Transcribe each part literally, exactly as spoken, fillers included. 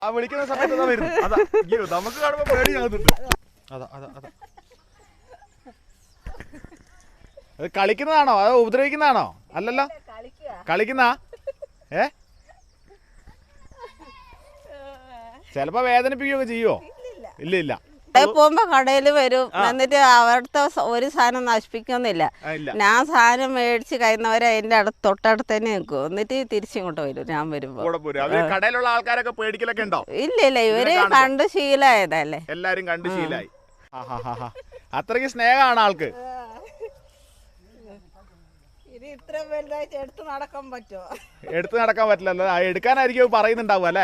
ആ വിളിക്കുന്ന സമയത്ത് അതാ വരുന്നു. അതാ അയ്യോ നമുക്ക് കാണുമ്പോ പേടിയാകുന്നുണ്ട്. അതാ അതാ അതാ അത് കളിക്കുന്നതാണോ അതോ ഉപദ്രവിക്കുന്നതാണോ? അല്ലല്ലോ, കളിക്കുന്ന ഏ ചിലപ്പോ വേദനിപ്പിക്കുകയൊക്കെ ചെയ്യുവോ? ഇല്ല ഇല്ല. പോകുമ്പോ കടയിൽ വരും, എന്നിട്ട് അവിടുത്തെ ഒരു സാധനം നശിപ്പിക്കൊന്നുമില്ല. ഞാൻ സാധനം മേടിച്ച് കഴിയുന്നവരെ എന്റെ അടുത്ത് തൊട്ടടുത്ത് തന്നെ നിൽക്കും, എന്നിട്ട് തിരിച്ചിങ്ങോട്ട് വരും ഞാൻ വരുമ്പോ. കടയിലുള്ള ആൾക്കാരൊക്കെ പേടിക്കലൊക്കെ ഉണ്ടോ? ഇല്ല ഇല്ല, ഇവര് കണ്ട് ശീലമായതല്ലേ, എല്ലാരും കണ്ട് ശീലായി. അത്രയ്ക്ക് സ്നേഹമാണ് ആൾക്ക്. ഇത്ര വലുതായിട്ട് എടുത്ത് നടക്കാൻ പറ്റുമോ? എടുത്ത് നടക്കാൻ പറ്റില്ലല്ലോ, എടുക്കാനായിരിക്കും പറയുന്നുണ്ടാവും അല്ലേ?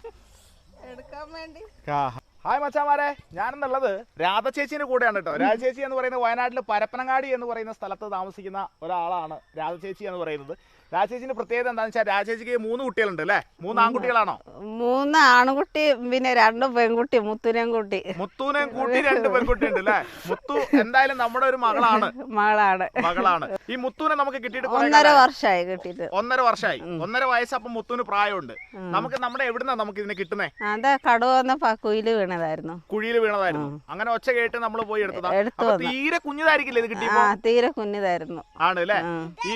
എടുക്കാൻ വേണ്ടി. ഹായ് മച്ചാമാരെ, ഞാനെന്നുള്ളത് രാധ ചേച്ചീൻ്റെ കൂടെയാണ് കേട്ടോ. രാധ ചേച്ചി എന്ന് പറയുന്നത് വയനാട്ടിൽ പരപ്പനങ്ങാടി എന്ന് പറയുന്ന സ്ഥലത്ത് താമസിക്കുന്ന ഒരാളാണ് രാധ ചേച്ചി എന്ന് പറയുന്നത്. രാധ ചേച്ചിന്റെ പ്രത്യേകത എന്താണെന്ന് വെച്ചാൽ രാധ ചേച്ചിക്ക് മൂന്ന് കുട്ടികളുണ്ട് അല്ലേ? മൂന്ന് ആൺകുട്ടികളാണോ? മൂന്ന് ആൺകുട്ടി പിന്നെ രണ്ട് പെൺകുട്ടി, മുത്തുനെയും കൂട്ടി. മുത്തൂനെയും കൂട്ടി രണ്ട് പെൺകുട്ടി ഉണ്ട് അല്ലേ? മുത്തു എന്തായാലും നമ്മുടെ ഒരു മകളാണ്. മകളാണ് മകളാണ് ഈ മുത്തൂനെ നമുക്ക് കിട്ടിയിട്ട് ഒന്നര വർഷമായി കിട്ടിയിട്ട്. ഒന്നര വർഷമായി ഒന്നര വയസ്സ്. അപ്പം മുത്തൂന് പ്രായമുണ്ട്. നമുക്ക് നമ്മുടെ എവിടുന്നാ നമുക്ക് ഇതിനെ കിട്ടുന്നേ? അതാ കടുവന്ന കുയില് വീണതായിരുന്നു. കുഴിയിൽ വീണതായിരുന്നു. അങ്ങനെ ഒച്ച കേട്ട് നമ്മൾ പോയി എടുത്തതാ. തീരെ കുഞ്ഞതായിരിക്കില്ലേ ഇത് കിട്ടിയപ്പോ? തീരെ കുഞ്ഞതായിരുന്നു. ആണ് അല്ലേ? ഈ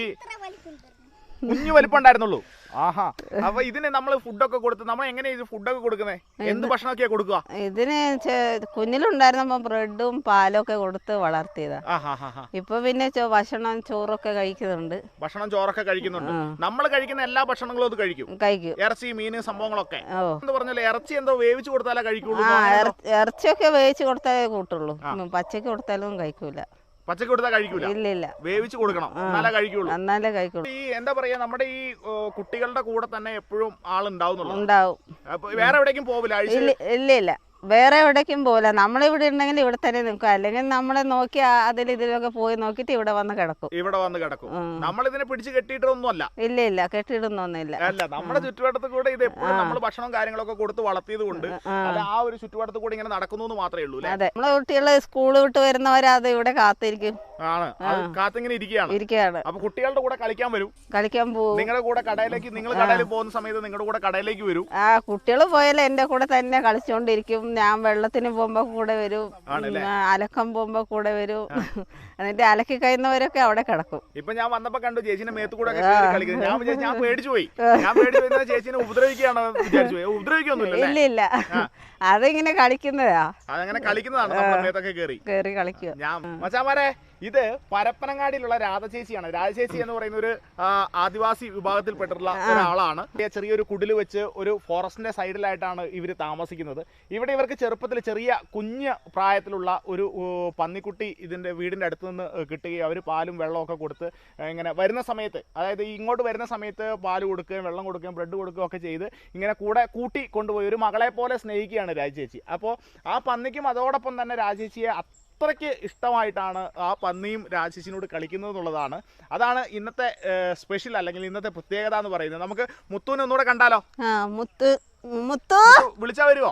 കുഞ്ഞു വലിപ്പുണ്ടായിരുന്നുള്ളൂ. ആഹാ. അപ്പൊ ഇതിന് നമ്മൾ ഫുഡൊക്കെ കൊടുത്ത് നമ്മൾ എങ്ങനെയാ ഇത് ഫുഡൊക്കെ കൊടുക്കുന്നത്? എന്ത് ഭക്ഷണമൊക്കെയാ കൊടുക്കുക? ഇതിന് കുഞ്ഞിലുണ്ടായിരുന്നപ്പോ ബ്രെഡും പാലും ഒക്കെ കൊടുത്ത് വളർത്തിയതാ. ഇപ്പൊ പിന്നെ ഭക്ഷണം ചോറൊക്കെ കഴിക്കുന്നുണ്ട്. ഭക്ഷണം ചോറൊക്കെ കഴിക്കുന്നുണ്ട്. നമ്മൾ കഴിക്കുന്ന എല്ലാ ഭക്ഷണങ്ങളും അത് കഴിക്കും. കഴിക്കും. ഇറച്ചി, മീന്, സംഭവങ്ങളൊക്കെ. എന്ന് പറഞ്ഞാൽ ഇറച്ചി എന്തോ വേവിച്ച് കൊടുത്താലേ കഴിക്കുള്ളൂ. ഇറച്ചിയൊക്കെ വേവിച്ച് കൊടുത്താലേ കൂട്ടുള്ളൂ, പച്ചക്ക് കൊടുത്താലും കഴിക്കൂല. പച്ചക്ക് കൊടുത്താൽ കഴിക്കൂല? ഇല്ല ഇല്ല, വേവിച്ച് കൊടുക്കണം, എന്നാലേ കഴിക്കുള്ളൂ. എന്നാലേ കഴിക്കുള്ളൂ. ഈ എന്താ പറയാ, നമ്മുടെ ഈ കുട്ടികളുടെ കൂടെ തന്നെ എപ്പോഴും ആളുണ്ടാവും. ഉണ്ടാവും. വേറെ എവിടേക്കും പോവില്ല? ഇല്ല ഇല്ല, വേറെ എവിടേക്കും പോകില്ല. നമ്മളിവിടെ ഉണ്ടെങ്കിൽ ഇവിടെ തന്നെ നിൽക്കും, അല്ലെങ്കിൽ നമ്മളെ നോക്കി അതിൽ ഇതിലൊക്കെ പോയി നോക്കിയിട്ട് ഇവിടെ വന്ന് കിടക്കും. ഇവിടെ വന്ന് കിടക്കും. നമ്മളിതിനെ പിടിച്ച് കെട്ടിയിട്ടൊന്നുമല്ല. ഇല്ല ഇല്ല, കെട്ടിയിടുന്നൊന്നുമില്ല. അല്ല, നമ്മുടെ ചുറ്റുവട്ടത്ത് കൂടെ ഇത് എപ്പോഴും നമ്മൾ ഭക്ഷണം കാര്യങ്ങളൊക്കെ കൊടുത്ത് വളർത്തിയത് കൊണ്ട് അത് ആ ഒരു ചുറ്റുവട്ടത്ത് കൂടെ ഇങ്ങനെ നടക്കുന്നു മാത്രമേ ഉള്ളൂ. അതെ, നമ്മളെ കുട്ടികള് സ്കൂള് വിട്ട് വരുന്നവരത് ഇവിടെ കാത്തിരിക്കും. ആണ്, കാത്തിങ്ങനെ ഇരിക്കുകയാണ് ഇരിക്കുകയാണ് അപ്പൊ കുട്ടികളുടെ കൂടെ കളിക്കാൻ വരും, കളിക്കാൻ പോകും. നിങ്ങളുടെ കൂടെ കടയിലേക്ക്, നിങ്ങൾ കടയിൽ പോകുന്ന സമയത്ത് നിങ്ങളുടെ കൂടെ കടയിലേക്ക് വരും. ആ കുട്ടികൾ പോയാലും എന്റെ കൂടെ തന്നെ കളിച്ചോണ്ടിരിക്കും. ഞാൻ വെള്ളത്തിന് പോകുമ്പോ കൂടെ വരും, അലക്കം പോകുമ്പോ കൂടെ വരും. എന്നിട്ട് അലക്കി കഴിയുന്നവരൊക്കെ അവിടെ കിടക്കും. ഇപ്പൊ ഞാൻ വന്നപ്പോ കണ്ടു ചേച്ചിനെ മേത്ത് കൂടെ കളിക്കുന്നത്. ഞാൻ വിചാരിച്ചു, ഞാൻ പേടിച്ചു പോയി. ഞാൻ പേടിച്ചു പോയി ചേച്ചിനെ ഉപദ്രവിക്കുകയാണോ വിചാരിച്ചു. ഉപദ്രവിക്കൊന്നുമില്ല. ഇല്ല ഇല്ല, അതിങ്ങനെ കളിക്കുന്നതാ. അതങ്ങനെ കളിക്കുന്നതാണ്, നമ്മുടെ മേത്തൊക്കെ കേറി കേറി കളിക്കുക. ഞാൻ മച്ചാമാരെ, ഇത് പരപ്പനങ്ങാടിയിലുള്ള രാധ ചേച്ചിയാണ്. രാധ ചേച്ചി എന്ന് പറയുന്ന ഒരു ആദിവാസി വിഭാഗത്തിൽപ്പെട്ടിട്ടുള്ള ഒരാളാണ്. ചെറിയൊരു കുടില് വെച്ച് ഒരു ഫോറസ്റ്റിന്റെ സൈഡിലായിട്ടാണ് ഇവർ താമസിക്കുന്നത്. ഇവിടെ ഇവർക്ക് ചെറുപ്പത്തിൽ ചെറിയ കുഞ്ഞ് പ്രായത്തിലുള്ള ഒരു പന്നിക്കുട്ടി ഇതിന്റെ വീടിന്റെ അടുത്ത് നിന്ന് കിട്ടുകയും അവർ പാലും വെള്ളമൊക്കെ കൊടുത്ത് ഇങ്ങനെ വരുന്ന സമയത്ത്, അതായത് ഇങ്ങോട്ട് വരുന്ന സമയത്ത് പാല് കൊടുക്കുകയും വെള്ളം കൊടുക്കുകയും ബ്രെഡ് കൊടുക്കുകയും ഒക്കെ ചെയ്ത് ഇങ്ങനെ കൂടെ കൂട്ടി കൊണ്ടുപോയി ഒരു മകളെ പോലെ സ്നേഹിക്കുകയാണ് രാജേച്ചി. അപ്പോൾ ആ പന്നിക്കും അതോടൊപ്പം തന്നെ രാജേച്ചിയെ അത്രയ്ക്ക് ഇഷ്ടമായിട്ടാണ് ആ പന്നിയും രാജേച്ചിനോട് കളിക്കുന്നത് എന്നുള്ളതാണ്. അതാണ് ഇന്നത്തെ സ്പെഷ്യൽ അല്ലെങ്കിൽ ഇന്നത്തെ പ്രത്യേകത എന്ന് പറയുന്നത്. നമുക്ക് മുത്തുവിനെ ഒന്നുകൂടെ കണ്ടാലോ? മുത്തു മുത്തു വിളിച്ചാ വരുമോ?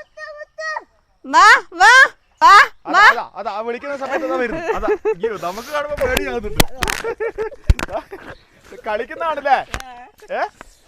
അതാ വിളിക്കുന്ന സമയത്ത് അതാ വരുന്നു. അതാ അയ്യോ നമുക്ക് കാണുമ്പോ പേടിയാകുന്നുണ്ട്. കളിക്കുന്നതാണല്ലേ? ഏ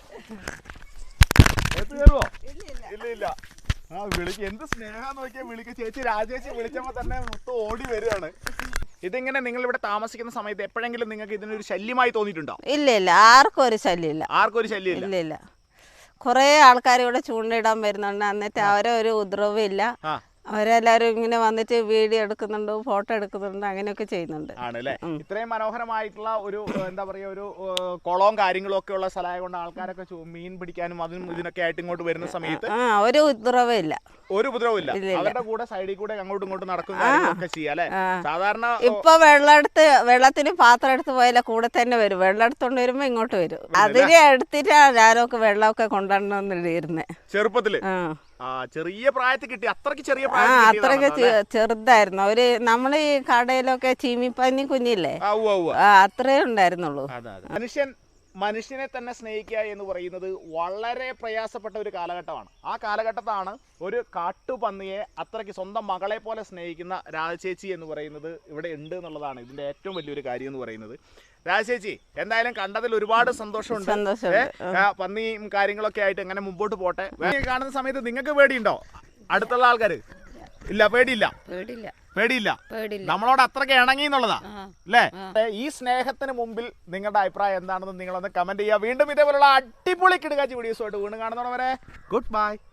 കയറുവോ? ഇല്ല ഇല്ല. ആ വിളിക്ക്, എന്ത് സ്നേഹം നോക്കിയാൽ വിളിക്കുക. ചേച്ചി രാജേച്ചി വിളിച്ചപ്പോ തന്നെ മുത്ത് ഓടി വരികയാണ്. ഇതിങ്ങനെ നിങ്ങൾ ഇവിടെ താമസിക്കുന്ന സമയത്ത് എപ്പോഴെങ്കിലും നിങ്ങൾക്ക് ഇതിനൊരു ശല്യമായി തോന്നിയിട്ടുണ്ടോ? ഇല്ല ഇല്ല, ആർക്കും ഒരു ശല്യമില്ല. ആർക്കും ഒരു ശല്യം ഇല്ല ഇല്ല. കുറെ ആൾക്കാർ ഇവിടെ ചൂണ്ടയിടാൻ വരുന്നുണ്ട്, എന്നിട്ട് അവരെ ഒരു ഉപദ്രവം ഇല്ല. അവരെല്ലാരും ഇങ്ങനെ വന്നിട്ട് വീഡിയോ എടുക്കുന്നുണ്ട്, ഫോട്ടോ എടുക്കുന്നുണ്ട്, അങ്ങനെയൊക്കെ ചെയ്യുന്നുണ്ട്. ആണല്ലേ? ഇത്രയും മനോഹരമായിട്ടുള്ള ഒരു എന്താ പറയാ ഒരു കുളവും കാര്യങ്ങളും ഒക്കെ ഉള്ള സ്ഥലമായതുകൊണ്ട് ആൾക്കാരൊക്കെ മീൻ പിടിക്കാനും അതിനും ഇതിനൊക്കെ ആയിട്ട് ഇങ്ങോട്ട് വരുന്ന സമയത്ത് ഒരു ഉപദ്രവം ഇല്ല. ഒരു ഉപദ്രവം ഇല്ല. അവരുടെ കൂടെ സൈഡിൽ കൂടെ അങ്ങോട്ടും ഇങ്ങോട്ടും നടക്കുന്നൊക്കെ ചെയ്യാം അല്ലെ? സാധാരണ ഇപ്പൊ വെള്ളം എടുത്ത് വെള്ളത്തിന് പാത്രം എടുത്ത് പോയാലേ കൂടെ തന്നെ വരും. വെള്ളം എടുത്തോണ്ട് വരുമ്പോ ഇങ്ങോട്ട് വരും. അതിനെ എടുത്തിട്ടാണ് ഞാനൊക്കെ വെള്ളമൊക്കെ കൊണ്ടുവന്നിരുന്നേ ചെറുപ്പത്തില്. ചെറിയ പ്രായത്തിൽ കിട്ടി. അത്രക്ക് ചെറിയ അത്രക്ക് ചെറുതായിരുന്നു. അവര് നമ്മള് ഈ കടയിലൊക്കെ ചീമിപ്പന്നി കുഞ്ഞില്ലേ, അത്രേ ഉണ്ടായിരുന്നുള്ളൂ. മനുഷ്യൻ മനുഷ്യനെ തന്നെ സ്നേഹിക്കുക എന്ന് പറയുന്നത് വളരെ പ്രയാസപ്പെട്ട ഒരു കാലഘട്ടമാണ്. ആ കാലഘട്ടത്താണ് ഒരു കാട്ടുപന്നിയെ അത്രയ്ക്ക് സ്വന്തം മകളെ പോലെ സ്നേഹിക്കുന്ന രാജചേച്ചി എന്ന് പറയുന്നത് ഇവിടെ ഉണ്ട് എന്നുള്ളതാണ് ഇതിൻ്റെ ഏറ്റവും വലിയൊരു കാര്യം എന്ന് പറയുന്നത്. രാജചേച്ചി എന്തായാലും കണ്ടതിൽ ഒരുപാട് സന്തോഷമുണ്ട്. പന്നിയും കാര്യങ്ങളൊക്കെ ആയിട്ട് എങ്ങനെ മുമ്പോട്ട് പോട്ടെ. കാണുന്ന സമയത്ത് നിങ്ങൾക്ക് പേടിയുണ്ടോ? അടുത്തുള്ള ആൾക്കാർ ഇല്ല, പേടിയില്ല പേടിയില്ല നമ്മളോട് അത്രയ്ക്ക് ഇണങ്ങി എന്നുള്ളതാ അല്ലേ? ഈ സ്നേഹത്തിന് മുമ്പിൽ നിങ്ങളുടെ അഭിപ്രായം എന്താണെന്ന് നിങ്ങളൊന്ന് കമന്റ് ചെയ്യുക. വീണ്ടും ഇതേപോലുള്ള അടിപൊളി കിടുകാച്ചി വീഡിയോസുമായിട്ട് വീണ്ടും കാണുന്നവരെ ഗുഡ് ബൈ.